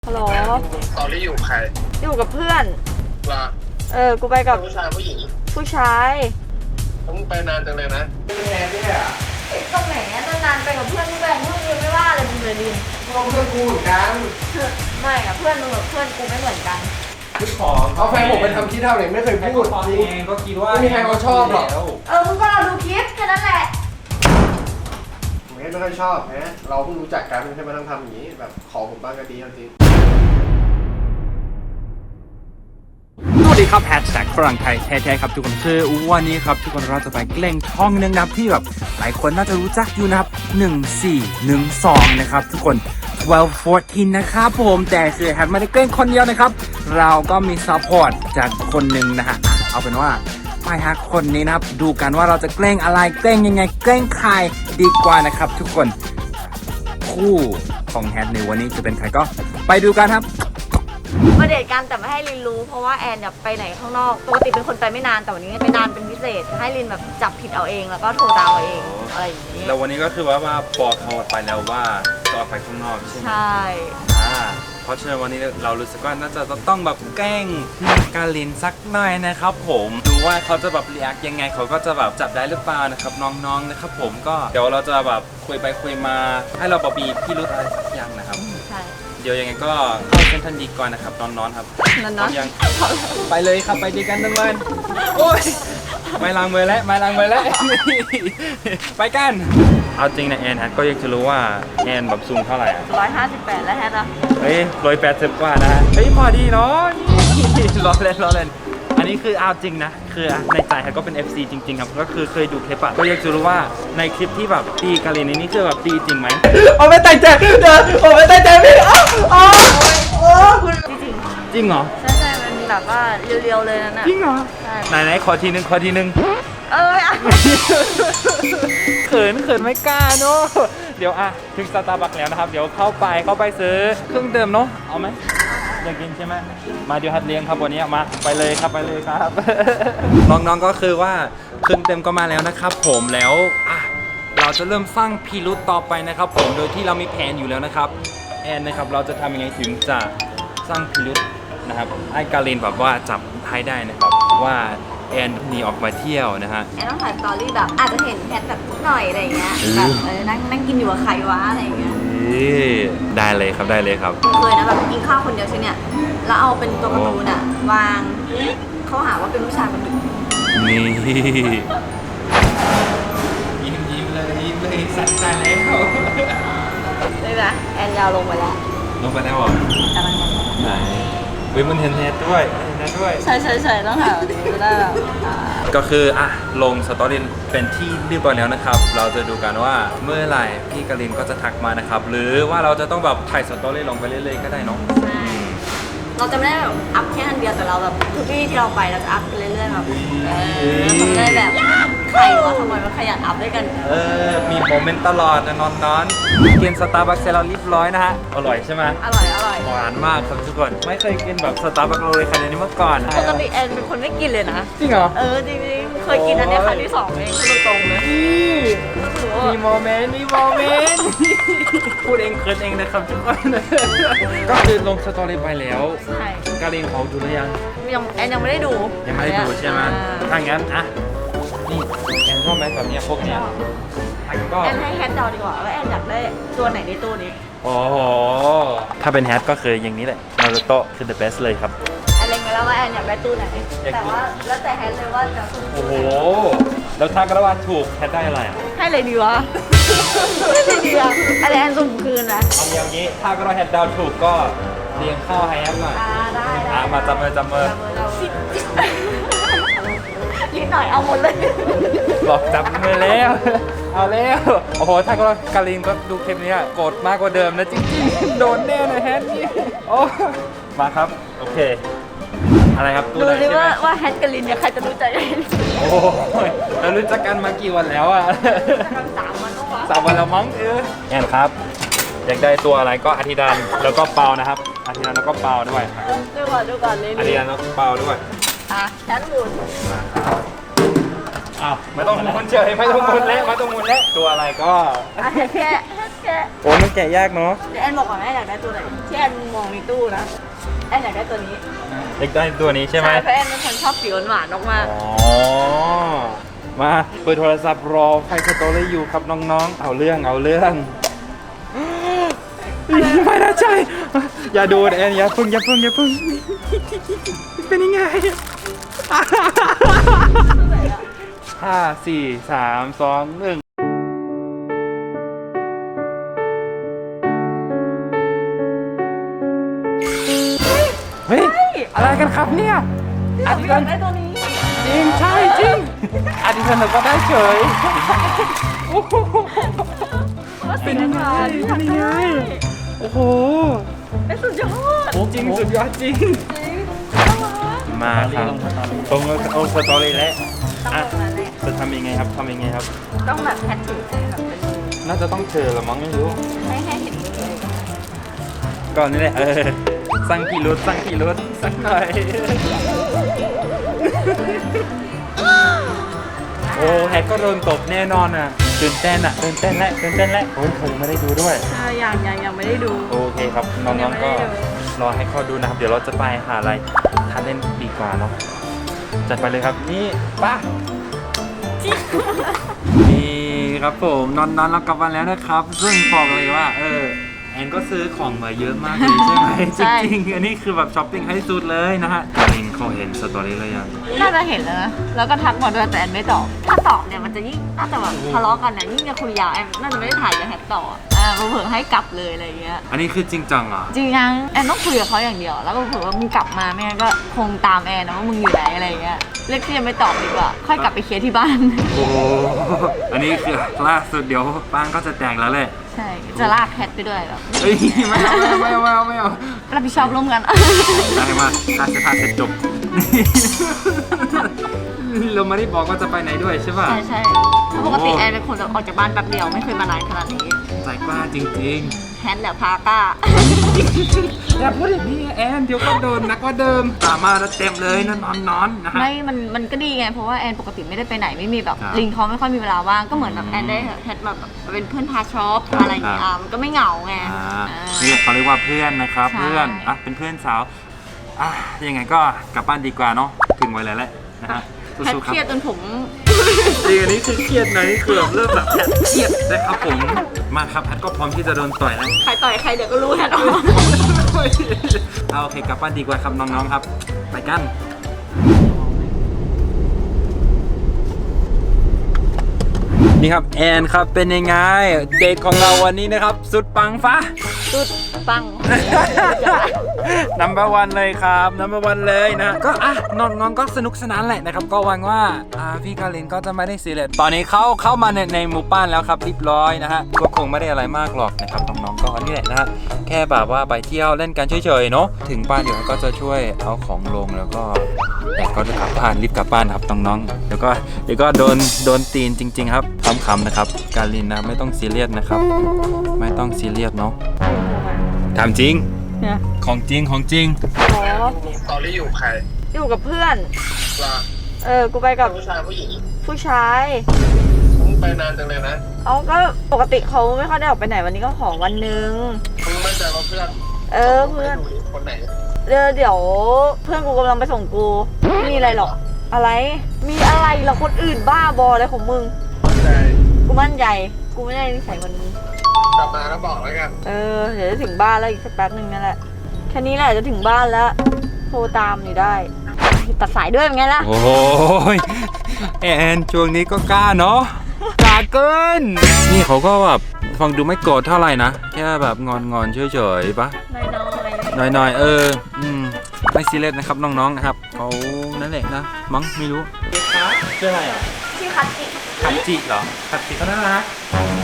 ฮัลโหลตอนที่อยู่ใครอยู่กับเพื่อนว่ากูไปกับผู้ชายผู้หญิงผู้ชายต้องไปนานจังเลยนะเป็นแอนเนี่ยตรงไหนเนี่ยนานๆไปกับเพื่อนมึงแบบเพื่อนมึงไม่ว่าเลยมึงเลยดินพวกเพื่อนกูเหมือนกันไม่อะเพื่อนมึงกับเพื่อนกูไม่เหมือนกันคือของเขาแฟนผมไปทำที่เท่าไหร่ไม่เคยพูดเองก็คิดว่าไม่มีใครเขาชอบหรอกมึงก็เราดูคลิปแค่นั้นแหละไม่ค่อยชอบนะเราเพิ่งรู้จักกันใช่ไหมต้องทำอย่างนี้แบบขอผมบ้างก็ดีจริงสวัสดีครับแฮชแท็กฝรั่งไทยแท้ๆครับทุกคนคือวันนี้ครับทุกคนเราจะไปเกล่งช่องนึงนะครับที่แบบหลายคนน่าจะรู้จักอยู่นะครับ1412นะครับทุกคน1214นะครับผมแต่คือแฮชไม่ได้เกล่งคนเดียวนะครับเราก็มีซัพพอร์ตจากคนหนึ่งนะฮะเอาเป็นว่าไปหาคนนี้นะครับดูกันว่าเราจะเกล่งอะไรเกล่งยังไงเกล่งใครดีกว่านะครับทุกคนคู่ของแฮชในวันนี้จะเป็นใครก็ไปดูกันครับมาเดทกันแต่ไม่ให้ลินรู้เพราะว่าแอนเนี่ยไปไหนข้างนอกปกติเป็นคนไปไม่นานแต่วันนี้ไปนานเป็นพิเศษให้ลินแบบจับผิดเอาเองแล้วก็โทรตามเอาเองอะไรอย่างนี้แล้ววันนี้ก็คือว่าบอกเขาไปแล้วว่าจะออกไปข้างนอกใช่ไหมใช่เพราะฉะนั้นวันนี้เรารู้สึกว่าน่าจะต้องแบบแกล้งกาลินสักหน่อยนะครับผมดูว่าเขาจะแบบเรียกยังไงเขาก็จะแบบจับได้หรือเปล่านะครับน้องๆนะครับผมก็เดี๋ยวเราจะแบบคุยไปคุยมาให้เราแบบมีพี่รู้อะไรสักอย่างนะครับใช่เดี๋ยวยังไงก็เข้าเส้นทันดีก่อนนะครับน้องๆครับน้องยังไปเลยครับไปดีกันทั้งวันโอ้ยไม่ล้างมือแล้วไม่ล้างมือแล้วไปกันเอาจริงนะแอนฮะก็อยากจะรู้ว่าแอนแบบสูงเท่าไหร่อ่ะ 158แล้วแฮทอะเฮ้ย180กว่านะเฮ้ยพอดีเนาะล้อเล่นอันนี้คือเอาจริงนะคือในใจฮะก็เป็น FC จริงๆครับก็คือเคยดูคลิปอะก็อยากจะรู้ว่าในคลิปที่แบบตีกาลินนี่คือแบบตีจริงไหมโอ้ไม่ตั้งใจเดี๋ยวโอ้ไม่ตั้งใจพี่จริงเหรอใช่มันแบบว่าเรียวๆเลยนั่นน่ะจริงเหรอไหนขอทีนึงเขินไม่กล้าเนาะเดี๋ยวถึงสตาร์บัคแล้วนะครับเดี๋ยวเข้าไปซื้อเครื่องดื่มเนาะเอาไหมอยากกินใช่ไหมมาเดี๋ยวฮัดเลี้ยงครับวันนี้มาไปเลยครับน้องๆก็คือว่าเครื่องเต็มก็มาแล้วนะครับผมแล้วเราจะเริ่มสร้างพิรุธต่อไปนะครับผมโดยที่เรามีแผนอยู่แล้วนะครับแอนนะครับเราจะทำยังไงถึงจะสร้างพิรุธนะครับให้กาลินแบบว่าจับให้ได้นะครับว่าแอนหนีออกมาเที่ยวนะฮะแอนต้องถ่ายสตอรี่แบบอาจจะเห็นแพทแบบนิดหน่อยอะไรเงี้ยแบบนั่งกินอยู่กับใครวะอะไรเงี้ยได้เลยครับเคยนะแบบกินข้าวคนเดียวใช่เนี่ยแล้วเอาเป็นตัวการ์ตูนวางเขาหาว่าเป็นผู้ชายคนหนึ่งนี่ยิ้มเลยสั่นใจแล้วนี่นะแอนยาวลงไปแล้วเหรอกำลังไหนมันเห็นแนทด้วยใช่ต้องหาวันนี้ก็ได้ก็คือลงสตอรี่เป็นที่เรียบร้อยแล้วนะครับเราจะดูกันว่าเมื่อไหร่พี่กาลินก็จะทักมานะครับหรือว่าเราจะต้องแบบถ่ายสตอรี่ลงไปเรื่อยๆก็ได้เนาะเราจะไม่ได้แบบอัพแค่อันเดียวแต่เราแบบทุกที่เราไปเราจะอัพไปเรื่อยๆแบบทำได้แบบใครว่าทำไมมันขยันอัพด้วยกันมีโมเมนต์ตลอดนะนอนกินสตาร์บัคเสร็จแล้วเรียบร้อยนะฮะอร่อยใช่ไหมอร่อยหวานมากครับทุกคนไม่เคยกินแบบสตาร์บัคเลยขนาดนี้มาก่อนปกติแอนเป็นคนไม่กินเลยนะจริงเหรอจริงๆเคยกินอันนี้ครั้งที่2เองพูดตรงๆเลยมีโมเมนต์พูดเองเคินเองนะครับทุกคนก็คือลงสตอรี่ไปแล้วใช่กาลินเขาดูหรือยังแอนยังไม่ได้ดูใช่ไหมถ้างั้นนี่แอนชอบไหมแบบนี้พวกเนี้ยแอนให้แฮทเดาดีกว่าว่าแอนอยากได้ตัวไหนในตู้นี้โอ้โหถ้าเป็นแฮทก็คืออย่างนี้แหละนารูโตะคือ the best เลยครับแอนเล็งไว้แล้วว่าแอนอยากได้ตู้ไหนแต่ว่าแล้วแต่แฮทเลยว่าจะโอ้โหแล้วถ้ากระวานถูกแฮทได้อะไรให้เลยดีวะให้ดีอ่ะอะไรแอนสุ่มคืนนะเอาอย่างนี้ถ้ากระวานแฮทดาวถูกก็เลี้ยงข้าวให้แอมหน่อยได้มาจับมือนิดหน่อยเอาหมดเลยบอกจับมือแล้วเอาแล้วโอ้โหถ้าก็กาลินก็ดูคลิปนี้โกรธมากกว่าเดิมนะจริงๆโดนแน่นะแฮทนี่โอ้มาครับโอเคอะไรครับดูดิว่าแฮทกับลินเนี่ยใครจะรู้ใจกันโอ้ยเรารู้จักกันมากี่วันแล้ว 3 วันแล้วมั้งแอนครับอยากได้ตัวอะไรก็อธิดานแล้วก็เปานะครับอธิดานแล้วก็เปาด้วยดูก่อนเลยอธิดานแล้วก็เปาด้วยแฮทหมุนไม่ต้องหมุนเฉยไม่ต้องหมุนแล้วตัวอะไรก็แค่แกะโอ้มันแกะยากเนาะเดี๋ยวแอนบอกก่อนแอนอยากได้ตัวไหนที่แอนมองในตู้นะแอนอยากได้ตัวนี้เด็กได้ตัวนี้ใช่ไหมเพราะแอนเป็นคนชอบสีหวานๆมากอ๋อ มาเปิดโทรศัพท์รอไฟสตอรี่อยู่ครับน้องๆ เอาเรื่องไม่น่าใจ อย่าดูแอนอย่าพึ่งเป็นยังไง 5 4 3 2 1เฮ้ย อะไรกันครับเนี่ยๆอันนี้อยากได้ตัวนี้จริงใช่จริงอันนี้สนุกก็ได้เฉยโอ้โหว่าสีน้ำตาลเป็นยังไงโอ้โหเป็นสุดยอดจริงสุดยอดจริง มาครับตรงเอาสตอรี่แล้วต้องอ่ะแบบนั้นแหละจะทำยังไงครับต้องแบบแพทถือแบบเป็นน่าจะต้องเจอละมั้งไม่รู้ให้เห็นเลยก่อนนี่แหละสั่งกี่รถสักหน่อยโอ้แฮกก็โดนตบแน่นอนอ่ะตื่นเต้นแล้วโอ้ยเขายังไม่ได้ดูด้วยยังไม่ได้ดูโอเคครับน้ยัองงไม่ๆก็ได้ดูรอให้เขาดูนะครับ เดี๋ยวเราจะไปหาอะไรทานเล่นดีกว่าเนาะจัดไปเลยครับนี่ป้านี่ครับผมนอนเรากลับมาแล้วนะครับ ซึ่งบอกเลยว่าแอนก็ซื้อของมาเยอะมากเลยใช่ไหมจริงๆอันนี้คือแบบช้อปปิ้งให้สุดเลยนะฮะการินเขาเห็นสตอรี่เลยยังน่าจะเห็นแล้วนะแล้วก็ทักมาด้วยแต่แอนไม่ตอบถ้าตอบเนี่ยมันจะยิ่งน่าจะแบบทะเลาะกันเนี่ยยิ่งจะคุยยาวแอนน่าจะไม่ได้ถ่ายกับแฮกต่อเผื่อให้กลับเลยอะไรเงี้ยอันนี้คือจริงจังเหรอจริงยังแอนต้องคุยกับเขาอย่างเดียวแล้วก็เผื่อว่ามึงกลับมาไม่งั้นก็คงตามแอนนะว่ามึงอยู่ไหนอะไรเงี้ยเรียกที่ยังไม่ตอบดีกว่าค่อยกลับไปเคลียร์ที่บ้านโอ้โหอันนี้คือล่าสุดเดี๋ยวป้างก็จะแตกแล้วแหละใช่จะลากแคทไปด้วยแบบเฮ้ยไม่เอารับผิดชอบร่วมกันได้มาค่าเสื้อผ้าเสร็จจบ เราไม่ได้บอกว่าจะไปไหนด้วยใช่ป่ะใช่เพราะปกติแอนเป็นคนจะออกจากบ้านแป๊บเดียวไม่เคยมานานขนาดนี้ใจกล้าจริงแฮนด์แหละพาก้าๆ อย่าพูดอย่างนี้แอนเดี๋ยวก็โดนนักกว่าเดิมตามมาแล้วเต็มเลยนอนนะฮะไม่มันก็ดีไงเพราะว่าแอนปกติไม่ได้ไปไหนไม่มีแบบครับลิงเขาไม่ค่อยมีเวลาว่างก็เหมือนแบบแอนได้แฮทแบบเป็นเพื่อนพาช็อปอะไรอย่างเงี้ยมันก็ไม่เหงาไงนี่แหละเขาเรียกว่าเพื่อนนะครับใช่เพื่อนเป็นเพื่อนสาวยังไงก็กลับบ้านดีกว่าเนาะถึงไว้แล้วแหละนะฮะแพทสู้ๆเคครับรียดจนผมจริงอันนี้คือเครียดนะนี่คือแบบเริ่มแบบเครียดนะครับผมมาครับแพทก็พร้อมที่จะโดนต่อยแล้วใครต่อยใครเดี๋ยวก็รู้แฮทออกเอาโอเคกลับบ้านดีกว่าครับน้องๆครับ ไปกัน นี่ครับแอนครับเป็นยังไงเดทของเราวันนี้นะครับ สุดปังฟ้าสุดปัง number one เลยครับ number one เลยนะก็นอนก็สนุกสนานแหละนะครับก็หวังว่าพี่กาลินก็จะไม่ได้ซีเรียสตอนนี้เข้ามาในหมู่บ้านแล้วครับเรียบร้อยนะฮะก็คงไม่ได้อะไรมากหรอกนะครับน้องๆก็นี่แหละนะฮะแค่แบบว่าไปเที่ยวเล่นกันเฉยๆเนาะถึงบ้านเดี๋ยวก็จะช่วยเอาของลงแล้วก็แต่ก็จะกลับบ้านรีบกลับบ้านครับน้องๆเดี๋ยวก็โดนตีนจริงๆครับคำๆนะครับกาลินนะไม่ต้องซีเรียสนะครับไม่ต้องซีเรียสเนาะถามจริงเนี่ยของจริงอ๋อตอนที่อยู่ใครอยู่กับเพื่อนล่ะกูไปกับผู้ชายผู้หญิงผู้ชายมึงไปนานจังเลยนะเอาก็ปกติเขาไม่ค่อยได้ออกไปไหนวันนี้ก็ขอวันหนึงมึงมั่นใจว่าเพื่อนเพื่อนไม่รู้ดิคนไหนเดี๋ยวเพื่อนกูกำลังไปส่งกูไม่มีอะไรหรอกอะไร มีอะไรหรอคนอื่นบ้าบออะไรของมึงมั่นใจกูมั่นใจกูไม่ได้นิสัยเหมือนมึงกลับมาแล้วบอกแล้วกันเดี๋ยวจะถึงบ้านแล้วอีกสักแป๊บหนึ่งนั่นแหละแค่นี้แหละจะถึงบ้านแล้วโทรตามอยู่ได้ตัดสายด้วยเป็นไงล่ะโอ้ยแอนช่วงนี้ก็กล้าเนาะกล้าเกินนี่เขาก็แบบฟังดูไม่โกรธเท่าไหร่นะแค่แบบงอนเฉยๆปะน้อยไม่ซีเรียสนะครับน้องๆนะครับเขานั่นแหละนะมั้งไม่รู้ชื่ออะไรอ่ะๆชื่อคัตจิคัตจิเหรอคัตจิก็น่ารัก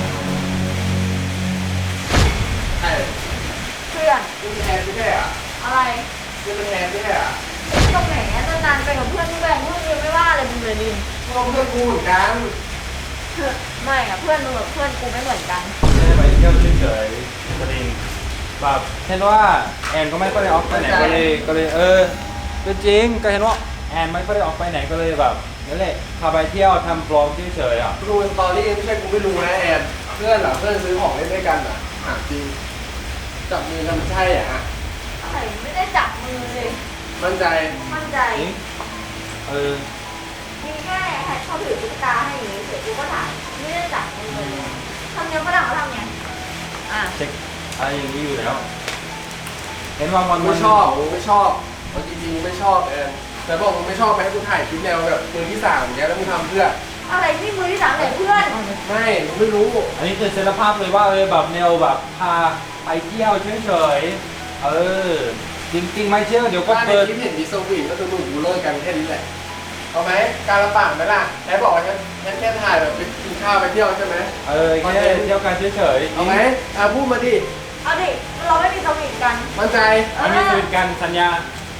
เพื่อนคุณแทนไม่ใช่อ่ะอะไรคุณแทนไม่ใช่อ่ะตรงไหนอะนานๆไปกับเพื่อนมึงแบ่งเพื่อนยังไม่ว่าเลยมึงเลยลินพวกเพื่อนกูเหมือนกันไม่อะเพื่อนมึงกับเพื่อนกูไม่เหมือนกันไม่ได้ไปเที่ยวเฉยๆประเด็นแบบเห็นว่าแอนก็ไม่ค่อยได้ออกไปไหนก็เลยก็จริงก็เห็นว่าแอนไม่ค่อยได้ออกไปไหนก็เลยแบบนั่นแหละพาไปเที่ยวทำบล็อกเฉยๆอ่ะดูสตอรี่ไม่ใช่กูไม่รู้นะแอนเพื่อนเหรอเพื่อนซื้อของเล่นด้วยกันเหรอถามจริงจับมือกันใช่อ่ะอะไรไม่ได้จับมือเลยมั่นใจมั่นใจเออมีแค่แฮชเขาถือตุ๊กตาให้อย่างนี้เสร็จกูก็ถ่ายไม่ได้จับมือเลยทำเนี้ยฝรั่งเขาทำไงอ่ะเช็คอะไรอย่างนี้อยู่แล้ว เห็นว่ามันไม่ชอบไม่ชอบเอาจริงๆไม่ชอบแอนแต่บอกมึงไม่ชอบไปให้กูถ่ายคลิปแนวแบบมือที่สามอย่างเงี้ยแล้วมึงทำเพื่ออะไรที่มือที่สามไหนเพื่อนไม่มึงไม่รู้อันนี้คือเซตภาพเลยว่าแบบแนวแบบพาไปเที่ยวเฉยๆจริงๆไม่เชื่อเดี๋ยวก็ว่าในเปิดคลิปเห็นมีสวีทก็คือมึงกูเลิกกันแค่นี้แหละเอาไหมการละปากไหมล่ะแอนบอกว่าฉันแค่ถ่ายแบบไปกินข้าวไปเที่ยวใช่ไหมแค่เที่ยวกันเฉยๆเอาไหมพูดมาดิเอาดิเราไม่มีสวีทกันมั่นใจอันนี้คือการสัญญา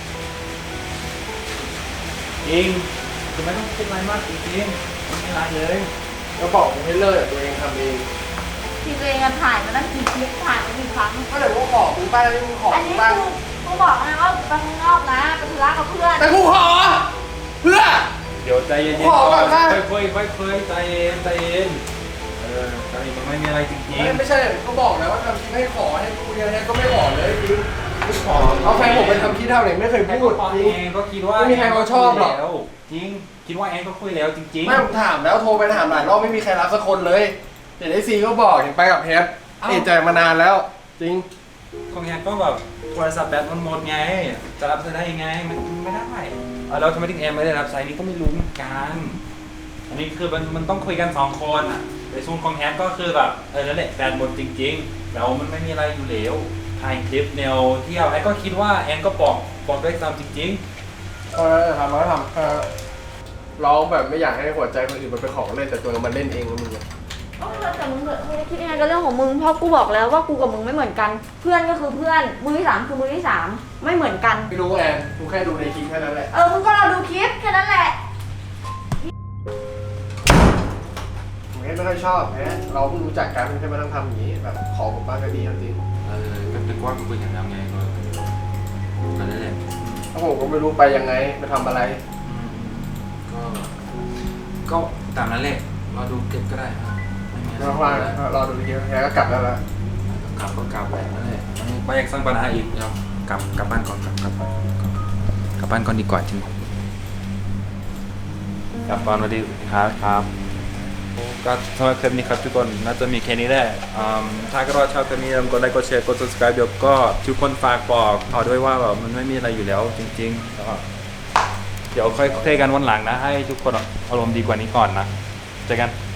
จริงคือไม่ต้องคิดอะไรมากจริงๆไม่มีอะไรเลยก็บอกมึงให้เลิกแต่ตัวเองทำเองทีตัวเองถ่ายมาตั้งกี่คลิปถ่ายมากี่ครั้งก็เลยว่าขอมึงป้าแล้วมึงขออันมึนี้งป้ากูบอกนะว่าไปข้างนอกนะไปธุระกับเพื่อนแต่กูขอเพื่อเดี๋ยวใจเย็นขอก่อนนะค่อยๆใจเย็นใจเย็นตอนนี้มันไม่มีอะไรจริงไม่ใช่ก็บอกแล้วว่าทำคลิปให้ขอให้กูเรียนให้ก็ไม่ขอเลยจริงไม่ขอเอาแฟนผมไปทำคลิปเท่าไหร่ไม่เคยๆพูดตอนจริงเองก็คิดว่าไม่มีใครเขาชอบหรอกแล้วจริงคิดว่าแอนก็คุยแล้วจริงๆไม่ผมถามแล้วโทรไปถามหลายรอบไม่มีใครรับสักคนเลยเดี๋ยวไอซีก็บอกอย่างไปกับแฮทเอะใจมานานแล้ว จริงของแอนก็แบบโทรศัพท์แบตมันหมดไงจะรับได้ยังไงมันไม่ได้แล้วทำไมถึงแอนไม่ได้รับสายนี้ก็ไม่รู้เหมือนกันอันนี้คือมันต้องคุยกัน2 คนอ่ะในส่วนของแอนก็คือแบบนั่นแหละแบตหมดจริงๆแล้วมันไม่มีอะไรอยู่แล้วถ่ายคลิปแนวเที่ยวแอนก็คิดว่าแอนก็บอกด้วยซ้ำจริงทำแล้วทำร้องแบบไม่อยากให้หัวใจคนอื่นมันเป็นของเล่นแต่ตัวมันเล่นเองแล้วมึงแต่มึงคิดยังไงก็เรื่องของมึงเพราะกูบอกแล้วว่ากูกับมึงไม่เหมือนกัน เพื่อนก็คือเพื่อนมือที่สามคือมือที่สามไม่เหมือนกันไม่รู้แอนกูแค่ดูในคลิปแค่นั้นแหละมึงก็รอดูคลิปแค่นั้นแหละผมแค่ไม่ค่อยชอบแฮะเราเพิ่งรู้จักกันใช่ไหมต้องทำอย่างนี้แบบขอผมบ้างก็ดีจริงก็เป็นว่าคุยกันแล้วไงก็นั่นแหละถ้าผมก็ไม่รู้ไปยังไงไปทำอะไรก็ตามนั้นแหละรอดูเก็บก็ได้ครับไม่มีอะไรรอฟังรอดูคลิปแฮะก็กลับแล้วละกลับก็กลับไปนั่นแหละไม่อยากสร้างปัญหาอีกเอากลับบ้านก่อนกลับบ้านก่อนดีกว่าจริงกลับบ้านมาดีครับก็สำหรับคลิปนี้ครับทุกคนน่าจะมีแค่นี้แหละถ้าก็ชอบคลิปนี้กดไลค์กดแชร์กด subscribe เดี๋ยวก็ทุกคนฝากบอกต่อด้วยว่าแบบมันไม่มีอะไรอยู่แล้วจริงๆแล้วก็เดี๋ยวค่อยคุยกันวันหลังนะให้ทุกคนอารมณ์ดีกว่านี้ก่อนนะเจอกัน